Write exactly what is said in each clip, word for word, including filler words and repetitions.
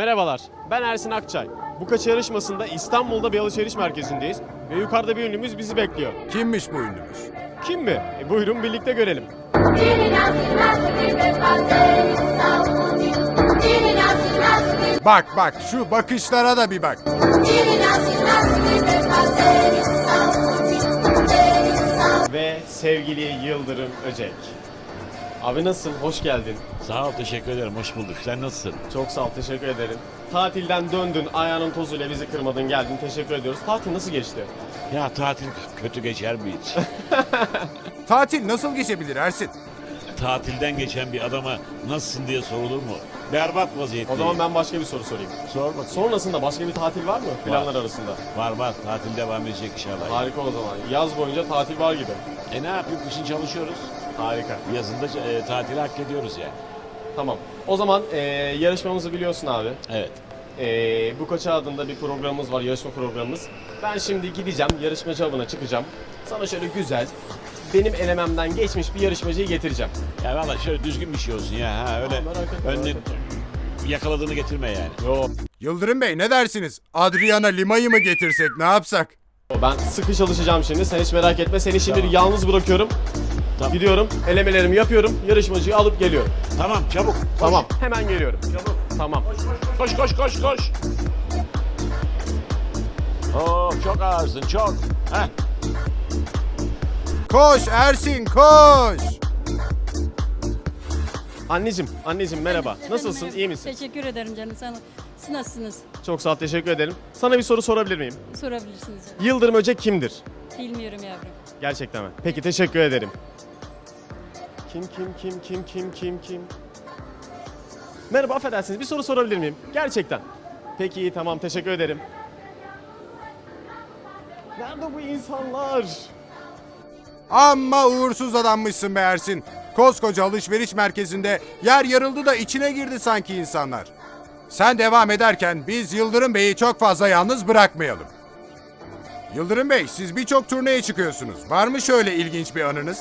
Merhabalar, ben Ersin Akçay. Bu kaç yarışmasında İstanbul'da bir alışveriş merkezindeyiz ve yukarıda bir ünlümüz bizi bekliyor. Kimmiş bu ünlümüz? Kim mi? E, buyurun birlikte görelim. Bak bak şu bakışlara da bir bak. Ve sevgili Yıldırım Öcek. Abi nasılsın? Hoş geldin. Sağ ol, teşekkür ederim. Hoş bulduk. Sen nasılsın? Çok sağ ol, teşekkür ederim. Tatilden döndün, ayağının tozuyla bizi kırmadın, geldin. Teşekkür ediyoruz. Tatil nasıl geçti? Ya tatil kötü geçer mi hiç? Tatil nasıl geçebilir Ersin? Tatilden geçen bir adama nasılsın diye sorulur mu? Berbat vaziyette. O zaman ben başka bir soru sorayım. Sor bakayım. Sonrasında başka bir tatil var mı planlar arasında? Var var. Tatil devam edecek inşallah. Harika o zaman. Yaz boyunca tatil var gibi. E ne yapayım? Kışın çalışıyoruz. Harika. Yazında e, tatili hak ediyoruz yani. Tamam. O zaman e, yarışmamızı biliyorsun abi. Evet. E, bu Koça adında bir programımız var, yarışma programımız. Ben şimdi gideceğim, yarışmacı avına çıkacağım. Sana şöyle güzel, benim elememden geçmiş bir yarışmacıyı getireceğim. Ya valla şöyle düzgün bir şey olsun ya. Ha, öyle Aa, merak etme, önüne merak etme. yakaladığını getirme yani. Yo, Yıldırım Bey ne dersiniz? Adriana Lima'yı mı getirsek ne yapsak? ben sıkı çalışacağım şimdi, sen hiç merak etme. Seni şimdi Tamam. yalnız bırakıyorum. Tamam. Gidiyorum, elemelerimi yapıyorum, yarışmacıyı alıp geliyorum. Tamam çabuk. Koş. Tamam, hemen geliyorum. Çabuk. Tamam. Koş koş koş koş. Oh çok ağırsın çok. Heh. Koş Ersin koş! Anneciğim, anneciğim merhaba. Efendim, Nasılsın, merhaba. iyi misin? Teşekkür ederim canım. Sen, siz nasılsınız? Çok sağ ol, teşekkür ederim. Sana bir soru sorabilir miyim? Sorabilirsiniz canım. Yıldırım Öcek kimdir? Bilmiyorum yavrum. Gerçekten mi? Peki, teşekkür ederim. Kim kim kim kim kim kim kim? Merhaba, affedersiniz, bir soru sorabilir miyim? Gerçekten. Peki, iyi, tamam, teşekkür ederim. Nerede bu insanlar? Amma uğursuz adammışsın be Ersin. Koskoca alışveriş merkezinde yer yarıldı da içine girdi sanki insanlar. Sen devam ederken biz Yıldırım Bey'i çok fazla yalnız bırakmayalım. Yıldırım Bey siz birçok turneye çıkıyorsunuz. Var mı şöyle ilginç bir anınız?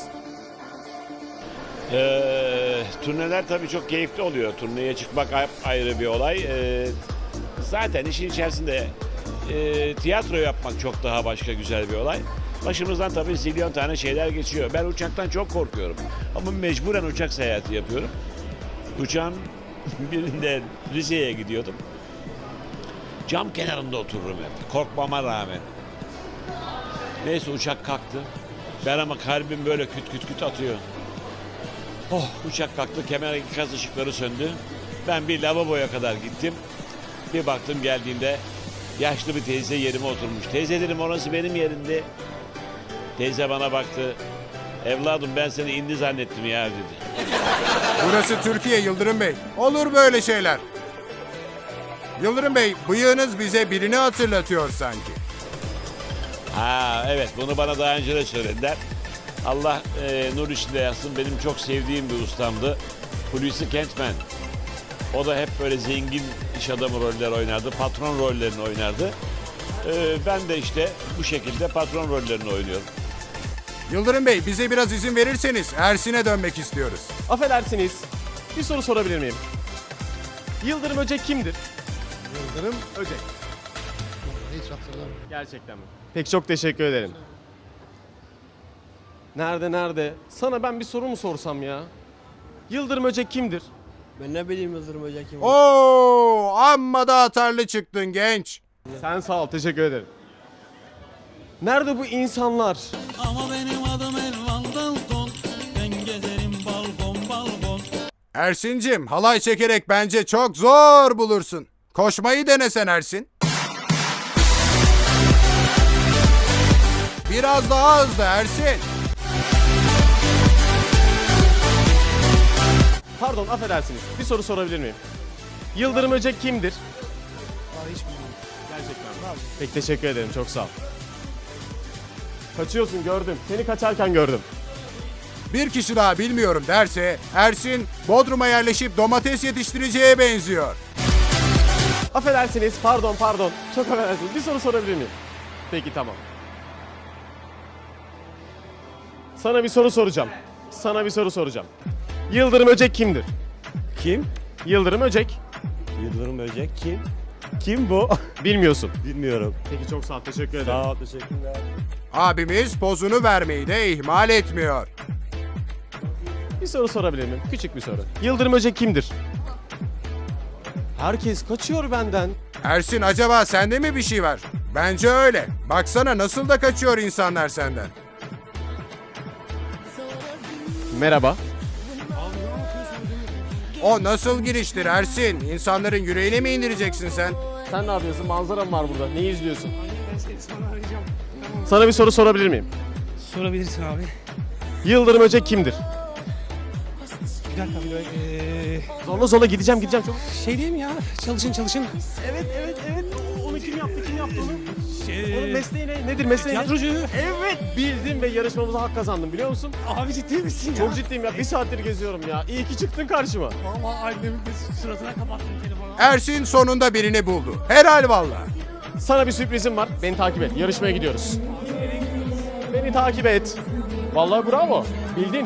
Ee, turneler tabii çok keyifli oluyor. Turneye çıkmak ayrı bir olay. Ee, zaten işin içerisinde e, tiyatro yapmak çok daha başka güzel bir olay. Başımızdan tabii zilyon tane şeyler geçiyor. Ben uçaktan çok korkuyorum. Ama mecburen uçak seyahati yapıyorum. Uçağın birinde Rize'ye gidiyordum. Cam kenarında otururum hep. Korkmama rağmen. Neyse uçak kalktı. Ben ama kalbim böyle küt küt küt atıyor. Oh, uçak kalktı, kemer ikaz ışıkları söndü. Ben bir lavaboya kadar gittim. Bir baktım geldiğimde yaşlı bir teyze yerime oturmuş. Teyze dedim orası benim yerimdi. Teyze bana baktı. Evladım ben seni indi zannettim ya dedi. Burası Türkiye Yıldırım Bey. Olur böyle şeyler. Yıldırım Bey bıyığınız bize birini hatırlatıyor sanki. Ha evet bunu bana daha önce de söylediler. Allah e, nur içinde yatsın benim çok sevdiğim bir ustamdı. Hulusi Kentmen. O da hep böyle zengin iş adamı roller oynardı. Patron rollerini oynardı. E, ben de işte bu şekilde patron rollerini oynuyorum. Yıldırım Bey bize biraz izin verirseniz Ersin'e dönmek istiyoruz. Affedersiniz, bir soru sorabilir miyim? Yıldırım Öcek kimdir? Yıldırım Öcek. hiç hatırlamıyorum. Gerçekten mi? Peki, çok teşekkür ederim. Nerede nerede? Sana ben bir soru mu sorsam ya? Yıldırım Öcek kimdir? Ben ne bileyim Yıldırım Hoca kim? Oo, amma da atarlı çıktın genç. Sen sağ ol, teşekkür ederim. Nerede bu insanlar? Ama benim adım Elvan Dalton. Ben gezerim balkon balkon. Ersin'cim halay çekerek bence çok zor bulursun. Koşmayı denesen Ersin. Biraz daha hızlı Ersin. Pardon, affedersiniz. Bir soru sorabilir miyim? Yıldırım Öcek kimdir? Aa, hiç bilmiyorum. Gerçekten mi? Peki, teşekkür ederim, çok sağ ol. Kaçıyorsun, gördüm. Seni kaçarken gördüm. Bir kişi daha bilmiyorum derse Ersin Bodrum'a yerleşip domates yetiştireceğe benziyor. Affedersiniz, pardon pardon. Çok affedersiniz. Bir soru sorabilir miyim? Peki, tamam. Sana bir soru soracağım. Sana bir soru soracağım. Yıldırım Öcek kimdir? Kim? Yıldırım Öcek. Yıldırım Böcek kim? Kim bu? Bilmiyorsun. Bilmiyorum. Peki çok sağ ol. Teşekkür ederim. Sağ ol, teşekkürler. Abimiz pozunu vermeyi de ihmal etmiyor. Bir soru sorabilir miyim? Küçük bir soru. Yıldırım Öcek kimdir? Herkes kaçıyor benden. Ersin acaba sende mi bir şey var? Bence öyle. Baksana nasıl da kaçıyor insanlar senden. Merhaba. O nasıl giriştir Ersin? İnsanların yüreğine mi indireceksin sen? Sen ne yapıyorsun? Manzaram var burada. Neyi izliyorsun? Sana bir soru sorabilir miyim? Sorabilirsin abi. Yıldırım Öcek kimdir? Bir dakika bir dakika. Ee, Zorla zorla gideceğim gideceğim. Çok... şey diyeyim ya. Çalışın çalışın. Evet evet evet. O- Onu kim yaptı? Kim yaptı onu? Şey, Onun mesleği ne? Nedir mesleği ne? tiyatrocu. Evet bildim ve yarışmamıza hak kazandım biliyor musun? Abi ciddi misin ya? Çok ciddiyim ya. Bir saattir geziyorum ya. İyi ki çıktın karşıma. Vallahi annemin de suratına kapattım telefonu. Ersin sonunda birini buldu. Helal valla. Sana bir sürprizim var. Beni takip et. Yarışmaya gidiyoruz. Beni takip et. Vallahi bravo. Bildin.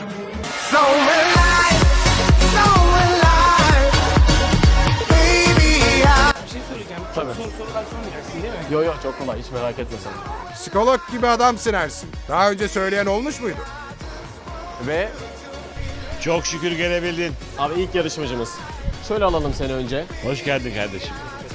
Bir şey söyleyeceğim. Tabii. Soru sorular sormayacaksın değil mi? Yo yo çok kolay. Hiç merak etme sen. Psikolog gibi adamsın Ersin. Daha önce söyleyen olmuş muydu? Ve Çok şükür gelebildin. abi ilk yarışmacımız. Şöyle alalım seni önce. Hoş geldin kardeşim.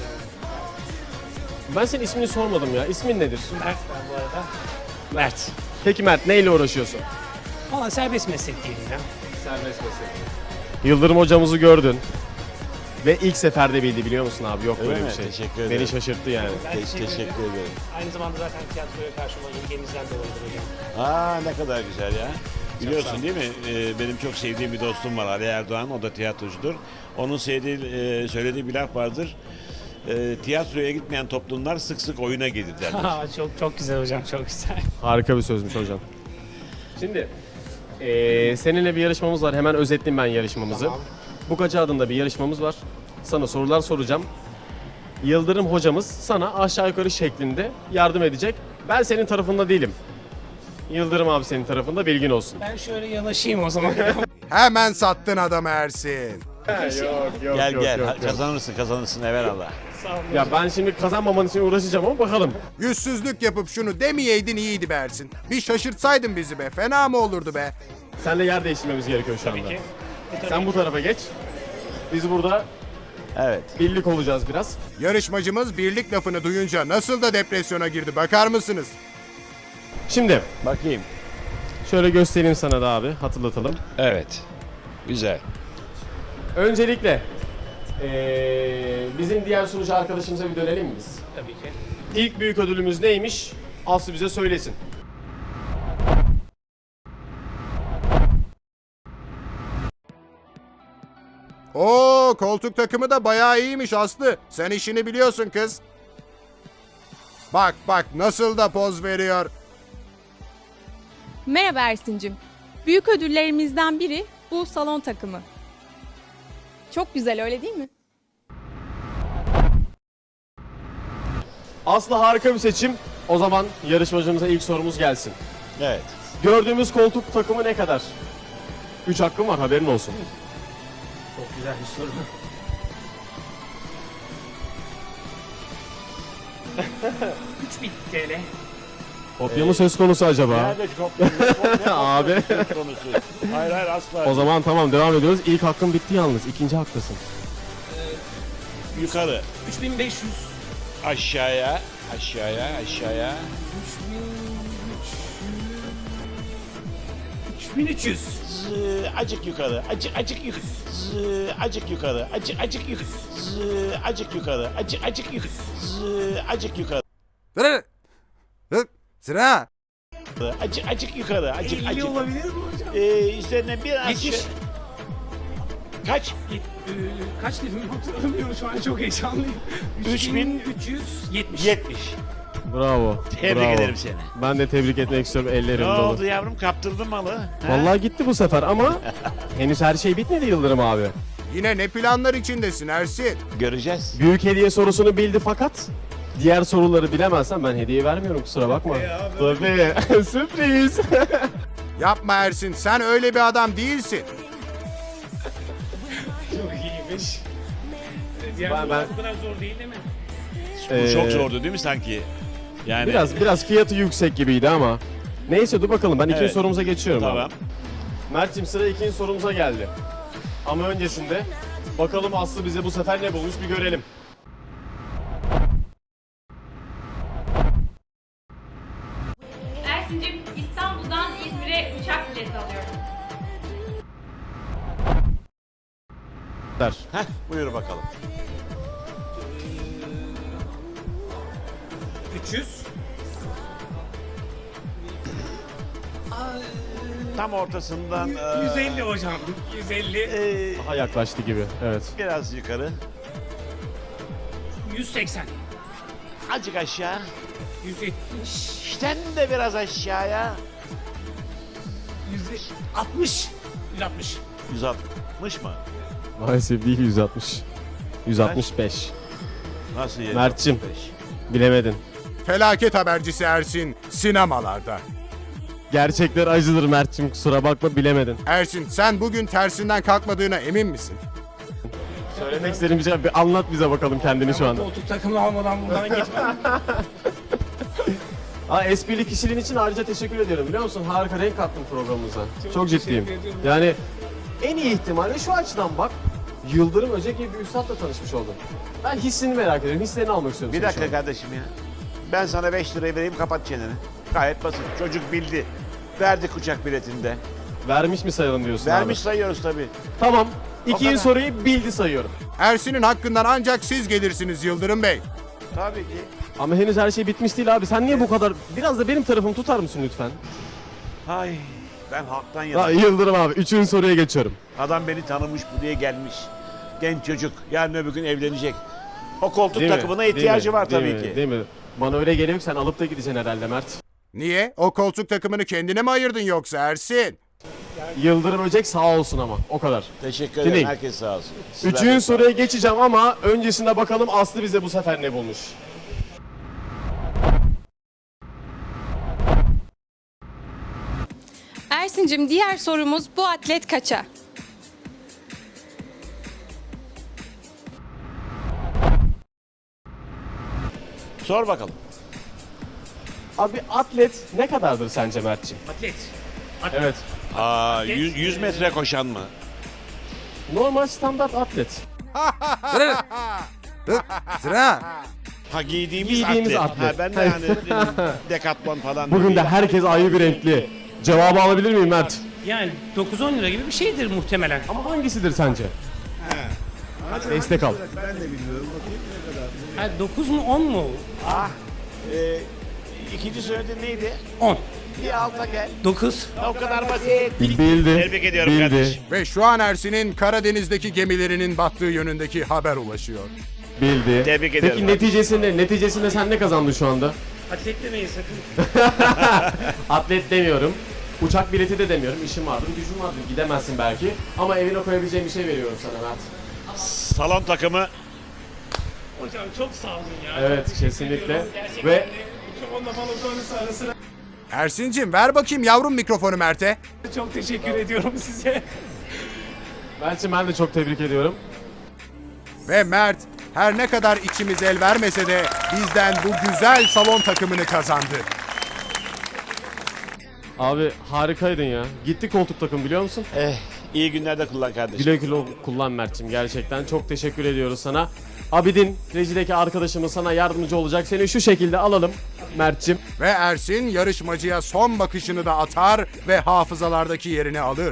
Ben senin ismini sormadım ya. İsmin nedir? Mert ben bu arada. Mert. Peki Mert neyle uğraşıyorsun? Valla serbest meslek diyelim ya. Serbest meslek. Yıldırım hocamızı gördün. Ve ilk seferde bildi biliyor musun abi? Yok Öyle böyle mi? bir şey. Teşekkür ederim. Beni şaşırttı yani. Ben Te- teşekkür ederim. Aynı zamanda zaten tiyatroya karşı olan ilgimizden dolayıdır hocam. Aa ne kadar güzel ya. Biliyorsun değil mi? Ee, benim çok sevdiğim bir dostum var Ali Erdoğan. O da tiyatrocudur. Onun sevdiği, e, söylediği bir laf vardır. E, tiyatroya gitmeyen toplumlar sık sık oyuna gelir derler. Aa, çok çok güzel hocam çok güzel. Harika bir sözmüş hocam. Şimdi eee, seninle bir yarışmamız var. Hemen özetleyeyim ben yarışmamızı. Tamam. Bukaca adında bir yarışmamız var. Sana sorular soracağım. Yıldırım hocamız sana aşağı yukarı şeklinde yardım edecek. Ben senin tarafında değilim. Yıldırım abi senin tarafında, bilgin olsun. Ben şöyle yanaşayım o zaman. Hemen sattın adamı Ersin. yok yok Gel gel Ha- kazanırsın kazanırsın evelallah. Ya ben şimdi kazanmaman için uğraşacağım ama bakalım. Yüzsüzlük yapıp şunu demeyeydin iyiydi be Ersin. Bir şaşırtsaydın bizi be. Fena mı olurdu be? Seninle yer değiştirmemiz gerekiyor şu anda. Sen bu tarafa geç. Biz burada Evet. birlik olacağız biraz. Yarışmacımız birlik lafını duyunca nasıl da depresyona girdi bakar mısınız? Şimdi Bakayım. şöyle göstereyim sana da abi, hatırlatalım. Evet. Güzel. Öncelikle eee, bizim diğer sunucu arkadaşımıza bir dönelim mi biz? Tabii ki. İlk büyük ödülümüz neymiş? Aslı bize söylesin. Oo, koltuk takımı da bayağı iyiymiş Aslı. Sen işini biliyorsun kız. Bak bak nasıl da poz veriyor. Merhaba Ersin'cim. Büyük ödüllerimizden biri bu salon takımı. Çok güzel öyle değil mi? Aslı harika bir seçim. O zaman yarışmacımıza ilk sorumuz gelsin. Evet. Gördüğümüz koltuk takımı ne kadar? Üç hakkım var, haberin olsun. Çok güzel bir soru. üç bin T L. Kopya mı söz konusu acaba? Nerede kopya? Kopya Abi. söz konusu. Hayır hayır asla. O zaman tamam, devam ediyoruz. İlk hakkın bitti yalnız. İkinci hakkısın. Yukarı. üç bin beş yüz. Aşağıya. Aşağıya. Aşağıya. üç bin üç yüz. Zı, acık yukarı. Acık acık yukarı. Zı, acık yukarı. Acık acık yukarı. Zı, acık yukarı. Acık acık yukarı. Zı, acık yukarı. Sıra. Hı, Sıra. Acık acık yukarı. Acık elli acık. olabilir mi hocam? Ee, üzerine biraz yetmiş. şey- Kaç? Yet- e, kaç dedim hatırlamıyorum şu an çok heyecanlıyım. Üç bin üç yüz yetmiş. yetmiş. Bravo. Tebrik bravo. ederim seni. Ben de tebrik etmek istiyorum, Ne ellerim dolu. oldu yavrum? Kaptırdın malı. Ha? Vallahi gitti bu sefer ama henüz her şey bitmedi Yıldırım abi. Yine ne planlar içindesin Ersin? Göreceğiz. Büyük hediye sorusunu bildi fakat diğer soruları bilemezsen ben hediye vermiyorum, kusura bakma. Tabii. Sürpriz. Yapma Ersin sen öyle bir adam değilsin. Çok iyiymiş. Diğer Ben- sorular ben- bu kadar zor değil değil mi? Bu Ee, çok zordu değil mi sanki? Yani Biraz biraz fiyatı yüksek gibiydi ama. Neyse dur bakalım ben ikinci Evet. sorumuza geçiyorum tamam. abi. Mert'cim sıra ikinci sorumuza geldi. Ama öncesinde bakalım Aslı bize bu sefer ne bulmuş bir görelim. Ersin'cim İstanbul'dan İzmir'e uçak bileti alıyorum. Der. Heh, buyur bakalım. üç yüz. Tam ortasından e, yüz elli hocam. yüz elli. e, Daha yaklaştı gibi. Evet. biraz yukarı. yüz seksen. Azıcık aşağı. yüz yetmiş. İşten de biraz aşağıya. yüz altmış. yüz altmış. yüz altmış mı? Maalesef değil yüz altmış. yüz altmış beş. Nasıl yedi? Mert'cim. Bilemedin. Felaket habercisi Ersin sinemalarda. Gerçekler acıdır Mert'cim kusura bakma bilemedin. Ersin sen bugün tersinden kalkmadığına emin misin? Söylemek istediğim bir şey bir anlat bize bakalım kendini şu anda. Koltuk takımı almadan buradan gitmem. Aa, esprili kişiliğin için ayrıca teşekkür ediyorum biliyor musun? Harika renk kattın programımıza. Çok, Çok ciddiyim. teşekkür ediyorum. Yani en iyi ihtimalle şu açıdan bak. Yıldırım Öcek gibi bir üstadla tanışmış oldun. Ben hissini merak ediyorum. Hislerini almak istiyorum. Bir senin şu dakika an. kardeşim ya. Ben sana beş lirayı vereyim kapat çeneni. Gayet basit. Çocuk bildi. Verdik uçak biletinde. Vermiş mi sayalım diyorsun Vermiş abi? sayıyoruz tabii. Tamam. İkinci kadar. soruyu bildi sayıyorum. Ersin'in hakkından ancak siz gelirsiniz Yıldırım Bey. Tabii ki. Ama henüz her şey bitmiş değil abi. Sen niye bu kadar... Biraz da benim tarafımı tutar mısın lütfen? Ay ben halktan Ha, yanayım. Yıldırım abi. Üçüncü soruya geçiyorum. Adam beni tanımış buraya gelmiş. Genç çocuk. Yarın öbür gün evlenecek. O koltuk Değil mi? takımına Değil ihtiyacı mi? var Değil tabii mi? ki. Değil mi? Bana öyle geliyor ki sen alıp da gideceksin herhalde Mert. Niye? O koltuk takımını kendine mi ayırdın yoksa Ersin? Yıldırım Öcek sağ olsun ama. O kadar. Teşekkür Şimdi- ederim. Herkes sağ olsun. Sizler de Üçüncü sağ soruya geçeceğim ama öncesinde bakalım Aslı bize bu sefer ne bulmuş. Ersin'cim diğer sorumuz bu atlet kaça? Sor bakalım. Abi atlet ne kadardır sence Mert'ciğim? Atlet. Evet. Aa, yüz, yüz metre koşan mı? Normal standart atlet. Sıra. Ha giydiğimiz, Giydiğimiz atlet. atlet. Ha, ben de yani Decathlon falan. Bugün de değil. herkes ayrı bir renkli. Cevabı alabilir miyim Mert? Yani dokuz on lira gibi bir şeydir muhtemelen. Ama hangisidir sence? Destek al. Ha, dokuz mu on mu? Ah, e, ikinci söylediğin neydi? on. Bir alta gel. dokuz. O kadar basit. Bildi. Tebrik ediyorum Bildi. kardeşim. Ve şu an Ersin'in Karadeniz'deki gemilerinin battığı yönündeki haber ulaşıyor. Bildi. Tebrik ediyorum. Peki neticesinde, neticesinde sen ne kazandın şu anda? Atlet demeyin sakın. Atlet demiyorum. Uçak bileti de demiyorum. İşim vardır, gücüm vardır. Gidemezsin belki. Ama evine koyabileceğim bir şey veriyorum sana Mert. Salon takımı. Hocam çok sağ olun ya. Evet, Çok teşekkür kesinlikle. ediyorum. Gerçekten Ve- de mikrofonla balonlarınız arasına Ersin'cim ver bakayım yavrum mikrofonu Mert'e. çok teşekkür ediyorum size. Mert'ciğim ben de çok tebrik ediyorum. Ve Mert her ne kadar içimiz el vermese de bizden bu güzel salon takımını kazandı. Abi harikaydın ya. Gitti koltuk takım biliyor musun? Eh, iyi günlerde kullan kardeşim. Güle güle kullan Mert'ciğim gerçekten. Çok teşekkür ediyoruz sana. Abidin, rejideki arkadaşımız sana yardımcı olacak. Seni şu şekilde alalım Mert'ciğim. Ve Ersin yarışmacıya son bakışını da atar ve hafızalardaki yerini alır.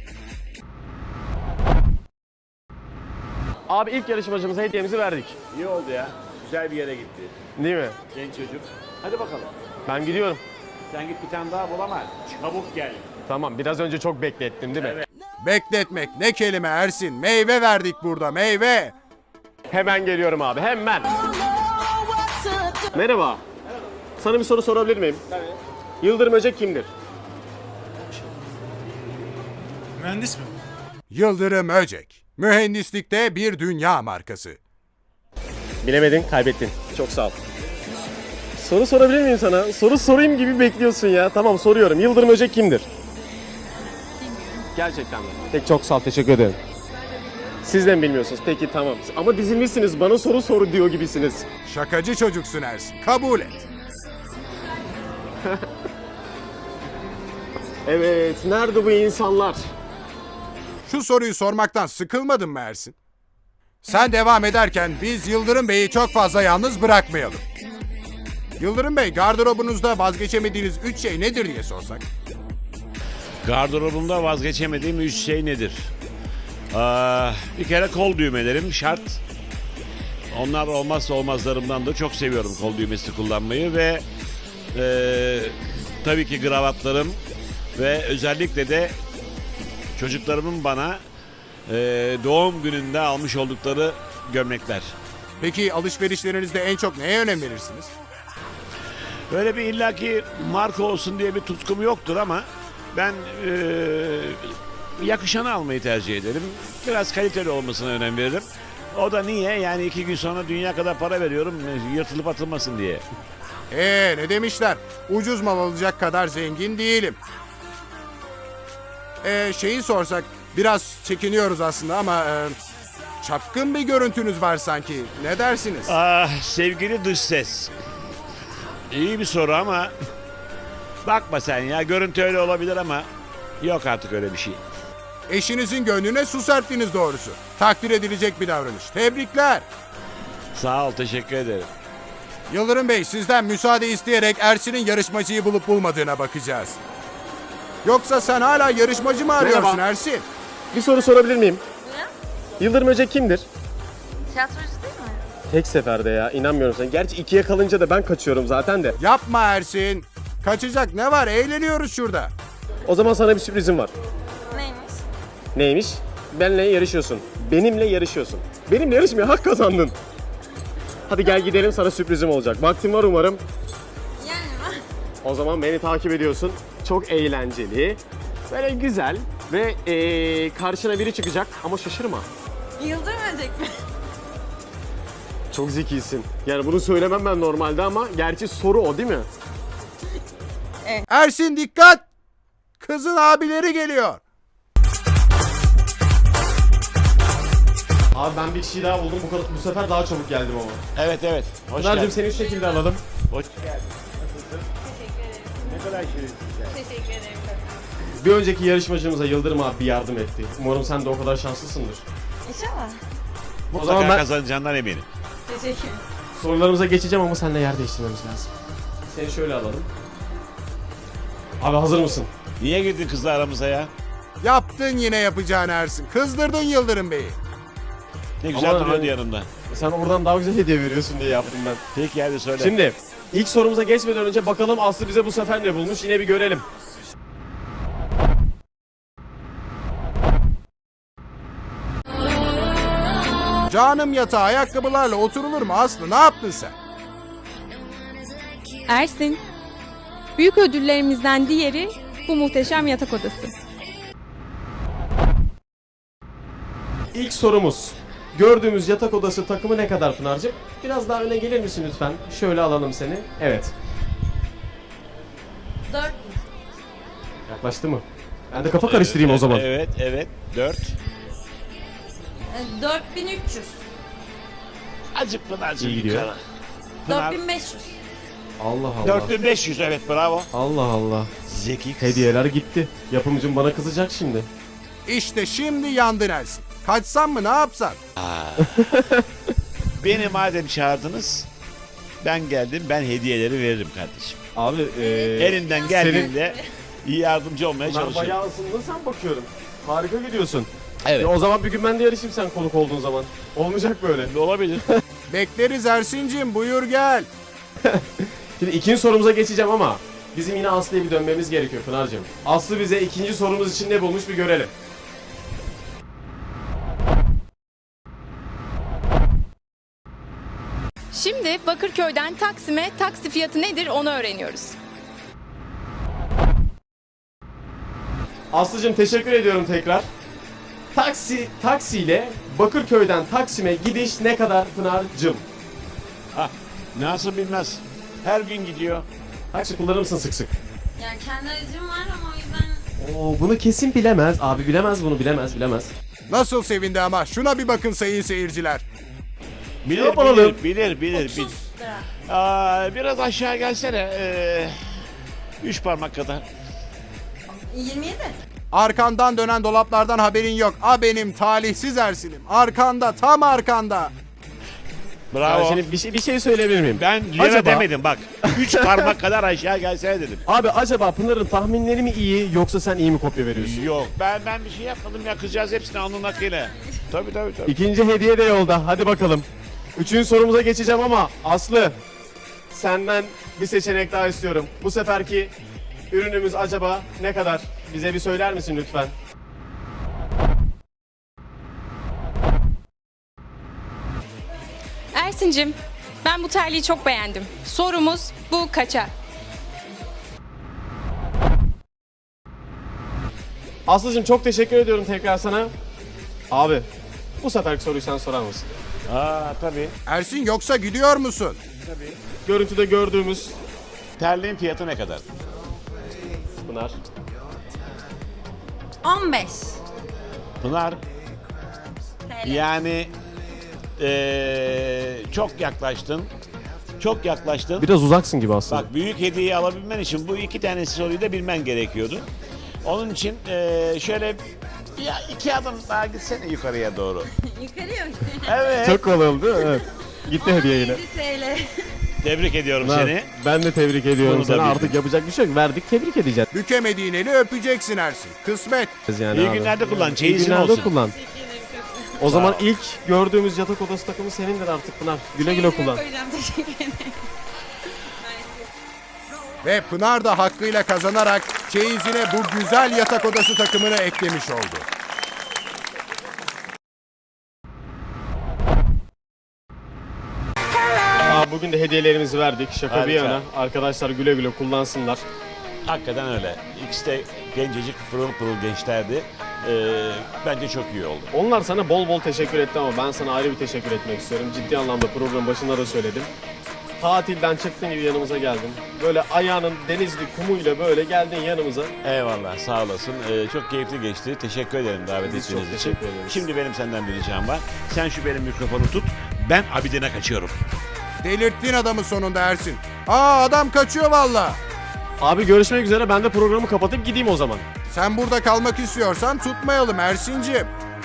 Abi ilk yarışmacımıza hediyemizi verdik. İyi oldu ya. Güzel bir yere gitti. Değil mi? Genç çocuk. Hadi bakalım. Ben gidiyorum. Sen git bir tane daha bul ama çabuk gel. Tamam biraz önce çok beklettim değil mi? Bekletmek ne kelime Ersin. Meyve verdik burada meyve. Hemen geliyorum abi hemen. Merhaba. Sana bir soru sorabilir miyim? Tabii. Yıldırım Öcek kimdir? Mühendis mi? Yıldırım Öcek. Mühendislikte bir dünya markası. Bilemedin, kaybettin. Çok sağ ol. Soru sorabilir miyim sana? Soru sorayım gibi bekliyorsun ya. Tamam soruyorum. Yıldırım Öcek kimdir? Gerçekten mi? Peki çok sağ ol, teşekkür ederim. Siz de mi bilmiyorsunuz? Peki tamam. Ama dizilmişsiniz. Bana soru soru diyor gibisiniz. Şakacı çocuksun Ersin. Kabul et. Evet. Nerede bu insanlar? Şu soruyu sormaktan sıkılmadın mı Ersin? Sen devam ederken biz Yıldırım Bey'i çok fazla yalnız bırakmayalım. Yıldırım Bey, gardırobunuzda vazgeçemediğiniz üç şey nedir diye sorsak? Gardırobumda vazgeçemediğim üç şey nedir? Aa, bir kere kol düğmelerim şart. Onlar olmazsa olmazlarımdan da çok seviyorum kol düğmesi kullanmayı ve e, tabii ki kravatlarım ve özellikle de çocuklarımın bana e, doğum gününde almış oldukları gömlekler. Peki alışverişlerinizde en çok neye önem verirsiniz? Böyle bir illaki marka olsun diye bir tutkum yoktur ama ben e, yakışanı almayı tercih ederim. Biraz kaliteli olmasına önem veririm. O da niye? Yani iki gün sonra dünya kadar para veriyorum yırtılıp atılmasın diye. Ee ne demişler? Ucuz mal alacak kadar zengin değilim. Ee şeyi sorsak biraz çekiniyoruz aslında ama e, çapkın bir görüntünüz var sanki. Ne dersiniz? Ah sevgili dış ses. İyi bir soru ama bakma sen ya görüntü öyle olabilir ama yok artık öyle bir şey. Eşinizin gönlüne su serptiniz doğrusu. Takdir edilecek bir davranış. Tebrikler. Sağ ol teşekkür ederim. Yıldırım Bey, sizden müsaade isteyerek Ersin'in yarışmacıyı bulup bulmadığına bakacağız. Yoksa sen hala yarışmacı mı arıyorsun Merhaba. Ersin? Bir soru sorabilir miyim? Yıldırım Öcek kimdir? Tiyatrocu değil mi? Tek seferde ya. İnanmıyorum sana. Gerçi ikiye kalınca da ben kaçıyorum zaten de. Yapma Ersin. Kaçacak ne var? Eğleniyoruz şurada. O zaman sana bir sürprizim var. Neymiş? Neymiş? Benimle yarışıyorsun. Benimle yarışıyorsun. Benimle yarışmaya hak kazandın. Hadi gel gidelim, sana sürprizim olacak. Vaktin var umarım. Yani mi? O zaman beni takip ediyorsun. Çok eğlenceli, böyle güzel ve ee, karşına biri çıkacak ama şaşırma. Yıldırım Öcek mi? Çok zekisin. Yani bunu söylemem ben normalde ama gerçi soru o değil mi? Ersin dikkat! Kızın abileri geliyor. Abi ben bir kişiyi daha buldum. Bu, kadar, bu sefer daha çabuk geldim ama. Evet evet. Hoş Pınar'cığım geldin. seni şu şekilde alalım. Hoş geldin. Nasılsın? Teşekkür ederim. Ne kadar şirinsin sen. Teşekkür ederim. Bir önceki yarışmacımıza Yıldırım abi yardım etti. Umarım sen de o kadar şanslısındır. İnşallah. O Mutlaka zaman ben kazanacağından eminim. Teşekkür. sorularımıza geçeceğim ama seninle yer değiştirmemiz lazım. Seni şöyle alalım. Abi hazır mısın? Niye girdin kızla aramıza ya? Yaptın yine yapacağını Ersin. Kızdırdın Yıldırım Bey'i. Ne güzel Ama duruyordu yani- yanımda. Sen oradan daha güzel hediye veriyorsun diye yaptım ben. Peki hadi söyle. Şimdi ilk sorumuza geçmeden önce bakalım Aslı bize bu sefer ne bulmuş, yine bir görelim. Canım yatağa ayakkabılarla oturulur mu Aslı? Ne yaptın sen? Ersin, büyük ödüllerimizden diğeri bu muhteşem yatak odası. İlk sorumuz. Gördüğümüz yatak odası takımı ne kadar Pınar'cığım? Biraz daha öne gelir misin lütfen? Şöyle alalım seni. Evet. Dört. Yaklaştı mı? Ben de kafa karıştırayım o zaman. Evet evet. Dört. E, Dört bin üç yüz. Acık Pınar'cığım İyi gidiyor. yukarı. Pınar. Dört bin beş yüz. Allah Allah. Dört bin beş yüz evet bravo. Allah Allah. Zeki kız. Hediyeler gitti. Yapımcım bana kızacak şimdi. İşte şimdi yandın Ersin. Kaçsan mı ne yapsan? Beni madem çağırdınız ben geldim ben hediyeleri veririm kardeşim. Abi eee... Elimden geldiğinde iyi yardımcı olmaya Ben çalışırım. bayağı ısındın sen bakıyorum. Harika gidiyorsun. Evet. Ya o zaman bir gün ben de yarışayım sen konuk olduğun zaman. Olmayacak böyle. Olabilir. Bekleriz Ersin'cim, buyur gel. Şimdi ikinci sorumuza geçeceğim ama bizim yine Aslı'ya bir dönmemiz gerekiyor Pınar'cığım. Aslı bize ikinci sorumuz için ne bulmuş bir görelim. Şimdi Bakırköy'den Taksim'e taksi fiyatı nedir onu öğreniyoruz. Aslı'cığım teşekkür ediyorum tekrar. Taksi, taksiyle Bakırköy'den Taksim'e gidiş ne kadar Pınar'cığım? Ha, nasıl bilmez. Her gün gidiyor. Taksi kullanır mısın sık sık? Yani kendi aracım var ama o yüzden Oo, bunu kesin bilemez. Abi bilemez bunu, bilemez, bilemez. Nasıl sevindi ama, şuna bir bakın sayın seyirciler. Bilir, Yapalım. bilir, bilir, bilir, bilir. otuz lira. Aa, biraz aşağı gelsene. Ee, üç parmak kadar. yirmi yedi. Arkandan dönen dolaplardan haberin yok. A benim talihsiz Ersin'im. Arkanda, tam arkanda. Ben Bravo. şimdi bir şey, bir şey söyleyebilir miyim? Ben lira Acaba- demedim bak. Üç parmak kadar aşağı gelsene dedim. Abi acaba Pınar'ın tahminleri mi iyi yoksa sen iyi mi kopya veriyorsun? Yok ben ben bir şey yapmadım ya, kızcağız hepsini alnının akıyla. Tabii tabii tabii. İkinci hediye de yolda. Hadi bakalım. Üçüncü sorumuza geçeceğim ama Aslı senden bir seçenek daha istiyorum. Bu seferki ürünümüz acaba ne kadar? Bize bir söyler misin lütfen? Ersin'cim, ben bu terliği çok beğendim. Sorumuz bu kaça? Aslı'cığım çok teşekkür ediyorum tekrar sana. Abi bu seferki soruyu sen sorar mısın? Aa tabii. Ersin, yoksa gidiyor musun? Görüntüde gördüğümüz Terliğin fiyatı ne kadar? Pınar. on beş. Pınar T L. yani ee, çok yaklaştın. Çok yaklaştın. Biraz uzaksın gibi aslında. Bak büyük hediyeyi alabilmen için bu iki tane soruyu da bilmen gerekiyordu. Onun için ee, şöyle ya iki adım daha gitsene yukarıya doğru. Yukarıya mı? Evet. Çok kolay oldu değil mi? Evet. Gitti hediye yine. yedi T L. Tebrik ediyorum Pınar, seni. ben de tebrik ediyorum Bunu da seni. bildin. Artık yapacak bir şey yok. Verdik, tebrik edeceğiz Bükemediğin eli öpeceksin Ersin. Kısmet. yani İyi abi. günlerde kullan, İyi çeyizin günlerde olsun. kullan. O zaman ilk gördüğümüz yatak odası takımı senindir artık Pınar. Güle güle kullan. Koyacağım, teşekkür ederim. Ve Pınar da hakkıyla kazanarak çeyizine bu güzel yatak odası takımını eklemiş oldu. Aa, bugün de hediyelerimizi verdik. Şaka bir Harika. yana. Arkadaşlar güle güle kullansınlar. Hakikaten öyle. İkisi de gencecik pırıl pırıl gençlerdi. Ee, bence çok iyi oldu. Onlar sana bol bol teşekkür etti ama ben sana ayrı bir teşekkür etmek istiyorum. Ciddi anlamda programın başında da söyledim. Tatilden çıktığın gibi yanımıza geldin. Böyle ayağının denizli kumuyla böyle geldin yanımıza. Eyvallah, sağ olasın. Ee, çok keyifli geçti. Teşekkür ederim davet Biz ettiğiniz çok için. teşekkür ederiz. Şimdi benim senden bir ricam var. Sen şu benim mikrofonu tut. Ben Abidin'e kaçıyorum. Delirttin adamı sonunda Ersin. Aa, adam kaçıyor valla. Abi görüşmek üzere. Ben de programı kapatıp gideyim o zaman. Sen burada kalmak istiyorsan tutmayalım Ersin'ciğim.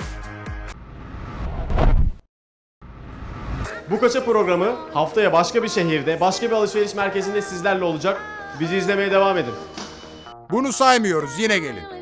Bu Kaça programı haftaya başka bir şehirde, başka bir alışveriş merkezinde sizlerle olacak. Bizi izlemeye devam edin. Bunu saymıyoruz, yine gelin.